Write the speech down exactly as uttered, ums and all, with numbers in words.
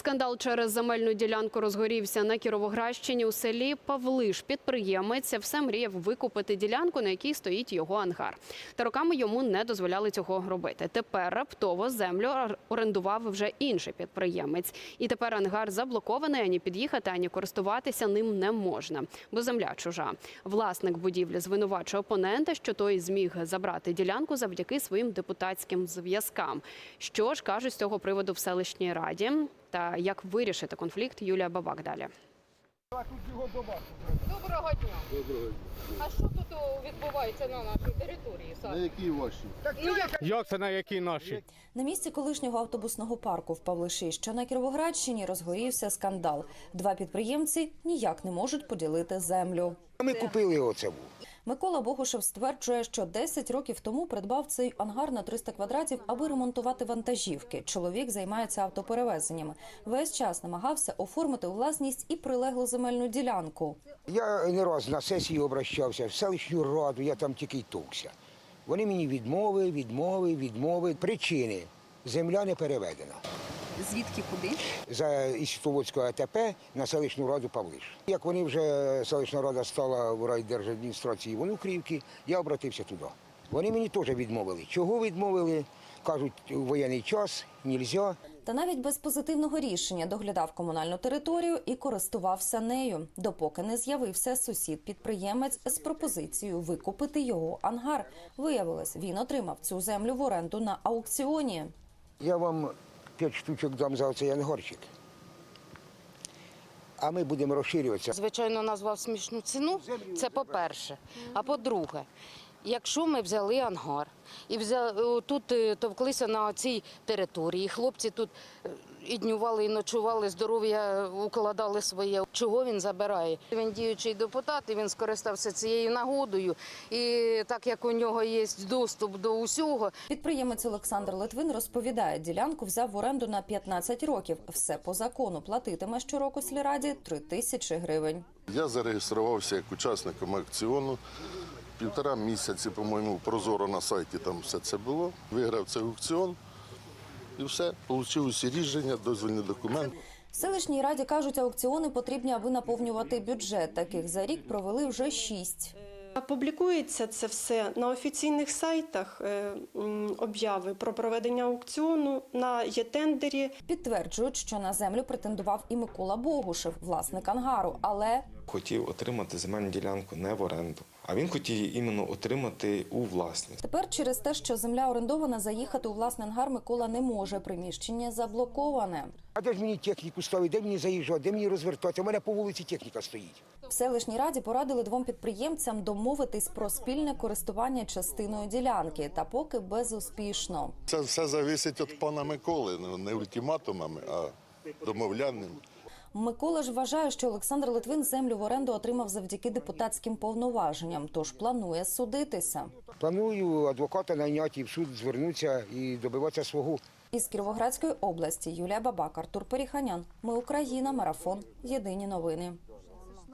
Скандал через земельну ділянку розгорівся на Кіровоградщині. У селі Павлиш підприємець все мріяв викупити ділянку, на якій стоїть його ангар. Та роками йому не дозволяли цього робити. Тепер раптово землю орендував вже інший підприємець. І тепер ангар заблокований, ані під'їхати, ані користуватися ним не можна, бо земля чужа. Власник будівлі звинувачує опонента, що той зміг забрати ділянку завдяки своїм депутатським зв'язкам. Що ж кажуть з цього приводу в селищній раді? Та як вирішити конфлікт, Юлія Бабак далі. Доброго дня. Доброго дня. А що тут відбувається на нашій території? На якій вашій? Ну, як... Як це на якій нашій? На місці колишнього автобусного парку в Павлиші, що на Кіровоградщині, розгорівся скандал. Два підприємці ніяк не можуть поділити землю. Ми купили оце. Микола Богушев стверджує, що десять років тому придбав цей ангар на триста квадратів, аби ремонтувати вантажівки. Чоловік займається автоперевезеннями. Весь час намагався оформити у власність і прилеглу земельну ділянку. Я не раз на сесію обращався, в селищну раду, я там тільки й товкся. Вони мені відмови, відмови, відмови. Причини – земля не переведена. Звідки, куди? За Істоводського АТП на селищну раду Павлиш. Як вони вже, селищна рада стала в райдержадміністрації Вонукрівки, я обратився туди. Вони мені теж відмовили. Чого відмовили? Кажуть, у воєнний час, нельзя. Та навіть без позитивного рішення доглядав комунальну територію і користувався нею, допоки не з'явився сусід-підприємець з пропозицією викупити його ангар. Виявилось, він отримав цю землю в оренду на аукціоні. Я вам п'ять штучок дам за оцей ангарчик. А ми будемо розширюватися. Звичайно, назвав смішну ціну, це по-перше. А по-друге, якщо ми взяли ангар і взяли, тут товклися на цій території, хлопці тут і днювали, і ночували, здоров'я укладали своє. Чого він забирає? Він діючий депутат, і він скористався цією нагодою. І так як у нього є доступ до усього. Підприємець Олександр Литвин розповідає, ділянку взяв в оренду на п'ятнадцять років. Все по закону. Платитиме щороку сільраді три тисячі гривень. Я зареєструвався як учасником аукціону. Півтора місяці, по-моєму, прозоро на сайті там все це було. Виграв цей аукціон і все. Отримав усі рішення, дозвільні документи. В селищній раді кажуть, аукціони потрібні, аби наповнювати бюджет. Таких за рік провели вже шість. Публікується це все на офіційних сайтах, обяви про проведення аукціону, на є-тендері. Підтверджують, що на землю претендував і Микола Богушев, власник ангару, але хотів отримати земельну ділянку не в оренду, а він хотів її іменно отримати у власність. Тепер через те, що земля орендована, заїхати у власний ангар Микола не може. Приміщення заблоковане. А де ж мені техніку ставити, де мені заїжджати, де мені розвертатися? У мене по вулиці техніка стоїть. В селищній раді порадили двом підприємцям домовитись про спільне користування частиною ділянки, та поки безуспішно. Це все залежить від пана Миколи, не ультиматумами, а домовлянням. Микола ж вважає, що Олександр Литвин землю в оренду отримав завдяки депутатським повноваженням, тож планує судитися. Планую адвоката найняти і в суд звернутися і добиватися свого. Із Кіровоградської області Юлія Бабак, Артур Періханян. Ми Україна. Марафон. Єдині новини.